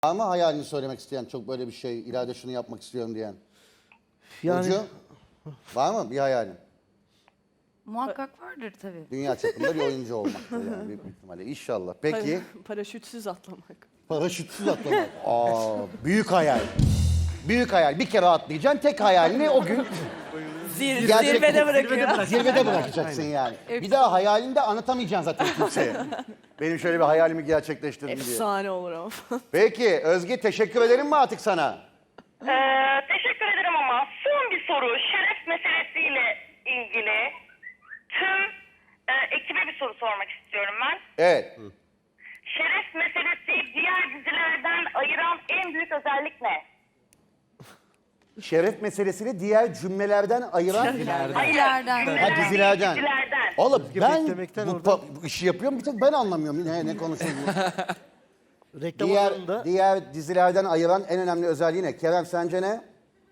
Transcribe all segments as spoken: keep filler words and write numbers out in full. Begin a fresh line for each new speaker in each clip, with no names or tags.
Var mı hayalini söylemek isteyen, çok böyle bir şey, ileride şunu yapmak istiyorum diyen?
Yani
Burcu, var mı bir hayalin?
Muhakkak vardır tabii.
Dünya çapında bir oyuncu olmak yani büyük bir ihtimalle. İnşallah. Peki,
Para- paraşütsüz atlamak.
paraşütsüz atlamak. Aa, büyük hayal. Büyük hayal. Bir kere atlayacaksın, tek hayalini o gün
Zir,
Gerçekten-
zirvede bırakıyor.
zirvede bırakacaksın yani. Bir daha hayalini de anlatamayacaksın zaten kimseye. Benim şöyle bir hayalimi gerçekleştirdim diye.
Efsane olur ama.
Peki, Özge teşekkür edelim mi artık sana?
Ee, teşekkür ederim ama son bir soru. Şeref meselesiyle ilgili tüm e, ekibe bir soru sormak istiyorum ben.
Evet.
Şeref meselesi diğer dizilerden ayıran en büyük özellik ne?
Şeref meselesini diğer cümlelerden ayıran...
Hayır,
Dizilerden.
cümleler
Ha,
değil,
dizilerden.
dizilerden.
Oğlum ben
beklemekten
bu,
oradan-
pa- bu işi yapıyorum, bir tek ben anlamıyorum ne, ne konuşuyorsun.
reklam
diğer,
alanında
diğer dizilerden ayıran en önemli özelliği ne? Kerem sence ne?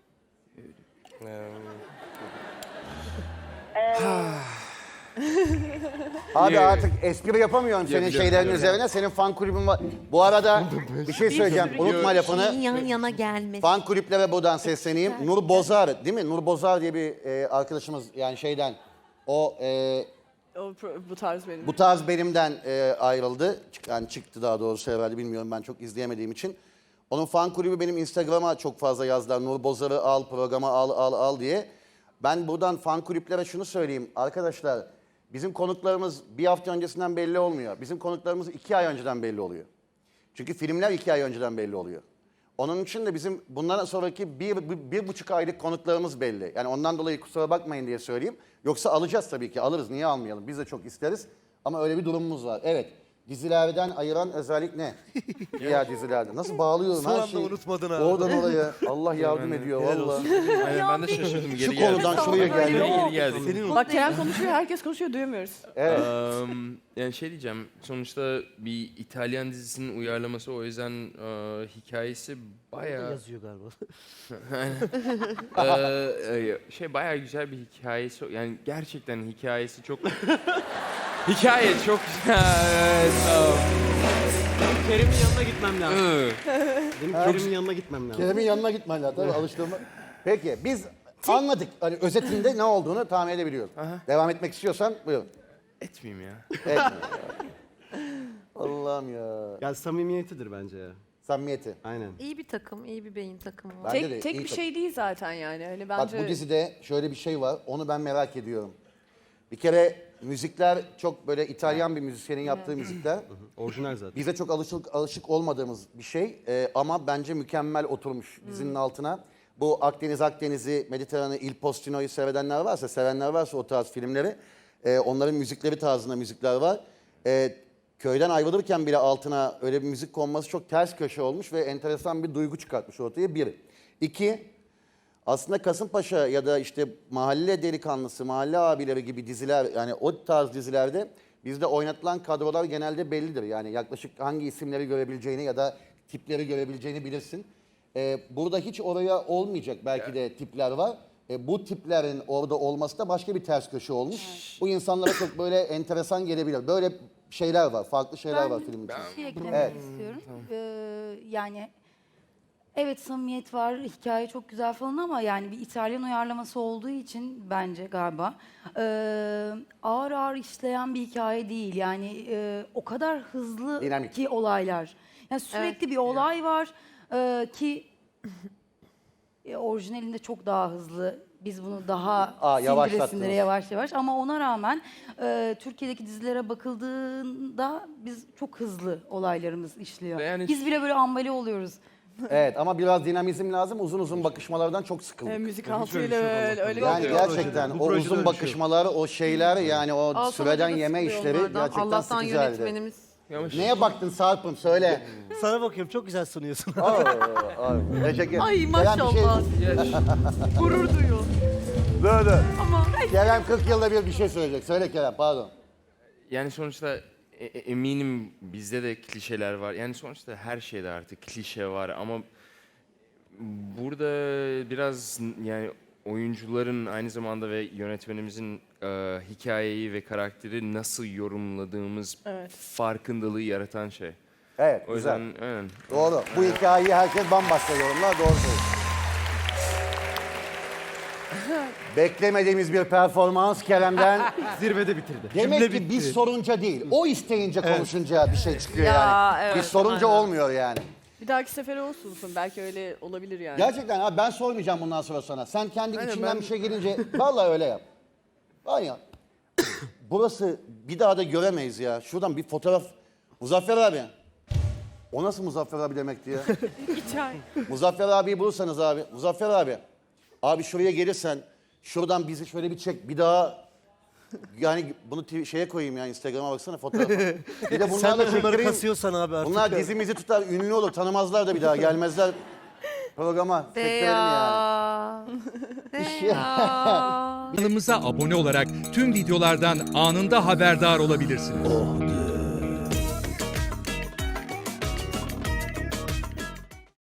Abi artık espri yapamıyorum senin şeylerin üzerine. Senin fan kulübün var. Bu arada bir şey söyleyeceğim. Unutma lafını.
yan yana gelmesi.
Fan kulüplere buradan sesleneyim. Nur Bozar değil mi? Nur Bozar diye bir e, arkadaşımız yani şeyden. O e,
O, pro- bu tarz benim.
bu tarz benimden e, ayrıldı. Çık- Yani çıktı daha doğrusu herhalde, bilmiyorum, ben çok izleyemediğim için. Onun fan kulübü benim Instagram'a çok fazla yazdılar. Nur Bozar'ı al, programa al, al, al diye. Ben buradan fan kulüplere şunu söyleyeyim. Arkadaşlar, bizim konuklarımız bir hafta öncesinden belli olmuyor. Bizim konuklarımız iki ay önceden belli oluyor. Çünkü filmler iki ay önceden belli oluyor. Onun için de bizim bundan sonraki bir, bir, bir buçuk aylık konuklarımız belli. Yani ondan dolayı kusura bakmayın diye söyleyeyim. Yoksa alacağız tabii ki, alırız, niye almayalım? Biz de çok isteriz. Ama öyle bir durumumuz var. Evet, dizilerden ayıran özellik ne? Diğer dizilerde. Nasıl bağlıyorum
Son
her
anda
şeyi.
unutmadın ha.
Oradan oraya. Allah yardım ediyor vallahi.
Aynen ben de şaşırdım. Geri
Şu
geldi.
konudan şuraya geldi.
Geri geldik.
senin
Bak Kerem konuşuyor, herkes konuşuyor, duyamıyoruz.
Evet.
Eee, yani şey diyeceğim. Sonuçta bir İtalyan dizisinin uyarlaması, o yüzden eee, hikayesi bayağı
yazıyor galiba.
eee, şey bayağı güzel bir hikayesi. Yani gerçekten hikayesi çok hikaye çok güzel. Tamam.
Kerim'in yanına gitmem lazım.
Iı.
Benim Kerim'in yanına gitmem lazım.
Kerem'in yanına gitmen lazım tabii, alıştırma. Peki biz anladık. Hani özetinde ne olduğunu tahmin edebiliyoruz. Devam etmek istiyorsan buyurun.
Etmeyeyim ya.
Evet. Allah'ım ya.
Ya samimiyetidir bence ya.
Samimiyeti.
Aynen.
İyi bir takım, iyi bir beyin takımı var.
Bence de
Tek, tek
iyi
bir
tabii.
şey değil zaten yani. Hani
Bak
bence
bu dizide şöyle bir şey var. Onu ben merak ediyorum. Bir kere müzikler çok böyle İtalyan bir müzisyenin yaptığı müzikler.
Orijinal zaten.
Bize çok alışık alışık olmadığımız bir şey. Ee, ama bence mükemmel oturmuş dizinin altına. Bu Akdeniz Akdeniz'i, Mediterran'ı, Il Postino'yu sevenler varsa, sevenler varsa o tarz filmleri, e, onların müzikleri tarzında müzikler var. E, köyden ayrılırken bile altına öyle bir müzik konması çok ters köşe olmuş ve enteresan bir duygu çıkartmış ortaya, bir. İki, aslında Kasımpaşa ya da işte Mahalle Delikanlısı, Mahalle Abileri gibi diziler, yani o tarz dizilerde bizde oynatılan kadrolar genelde bellidir. Yani yaklaşık hangi isimleri görebileceğini ya da tipleri görebileceğini bilirsin. Ee, burada hiç oraya olmayacak belki de tipler var. Ee, bu tiplerin orada olması da başka bir ters köşe olmuş. Bu insanlara çok böyle enteresan gelebilir. Böyle şeyler var, farklı şeyler var filmin içinde.
Bir şey eklemek
Evet.
istiyorum. Ee, yani evet, samimiyet var, hikaye çok güzel falan ama yani bir İtalyan uyarlaması olduğu için bence galiba ee, ağır ağır işleyen bir hikaye değil. Yani e, o kadar hızlı
Dinamik.
ki olaylar. Yani sürekli bir olay var ee, ki e, orijinalinde çok daha hızlı. Biz bunu daha
Aa,
sindire
yavaşlattınız.
sindire yavaş yavaş ama ona rağmen e, Türkiye'deki dizilere bakıldığında biz çok hızlı olaylarımız işliyor.
Yani-
Biz bile böyle ambale oluyoruz.
Evet, ama biraz dinamizm lazım. Uzun uzun bakışmalardan çok sıkıldık.
e, müzik altıyla öyle, öyle
Yani
oluyor.
gerçekten
Bu
o
projede
uzun
öyle bir şey
bakışmalar, o şeyler, yani o
Al sana
süreden
da
yeme
sıkılıyor
işleri
onlardan.
gerçekten
Allah'tan
sıkıcı halde.
yönetmenimiz.
Yavaş.
Neye baktın Sarp'ım, söyle.
Sana bakıyorum, çok güzel sunuyorsun.
Aa, ay, teşekkür
Ay
Kerem
maşallah.
Bir şey...
Gurur duyuyor.
Dur dur.
Ama
Kerem kırk yılda bir bir şey söyleyecek. Söyle Kerem, pardon.
Yani sonuçta e- e- eminim bizde de klişeler var. Yani sonuçta her şeyde artık klişe var ama burada biraz yani oyuncuların aynı zamanda ve yönetmenimizin e, hikayeyi ve karakteri nasıl yorumladığımız
Evet.
farkındalığı yaratan şey.
Evet,
O
güzel.
yüzden aynen.
Doğru. Bu hikayeyi herkes bambaşka yorumlar. Doğru söylüyor. Beklemediğimiz bir performans Kerem'den.
Zirvede bitirdi.
Demek ki biz sorunca değil, o isteyince konuşunca bir şey çıkıyor
Ya,
yani.
evet,
biz sorunca
aynen.
olmuyor yani.
Bir dahaki sefere olsun. Belki öyle olabilir yani.
Gerçekten abi ben sormayacağım bundan sonra sana. Sen kendi
Aynen,
içinden
ben-
bir şey gelince vallahi öyle yap. Var ya. Burası bir daha da göremeyiz ya. Şuradan bir fotoğraf. Muzaffer abi. O nasıl Muzaffer abi demekti ya?
Çay.
Muzaffer abiyi bulursanız abi. Muzaffer abi. Abi şuraya gelirsen şuradan bizi şöyle bir çek. Bir daha yani bunu t- şeye koyayım ya Instagram'a baksana fotoğrafa. Bir de
Sen
bunlarla
de bunları
çektireyim.
kasıyorsan abi artık.
Bunlar dizimizi tutar, ünlü olur. Tanımazlar da bir daha gelmezler programa. Çektirelim yani.
Deya.
Kanalımıza abone olarak tüm videolardan anında haberdar olabilirsiniz.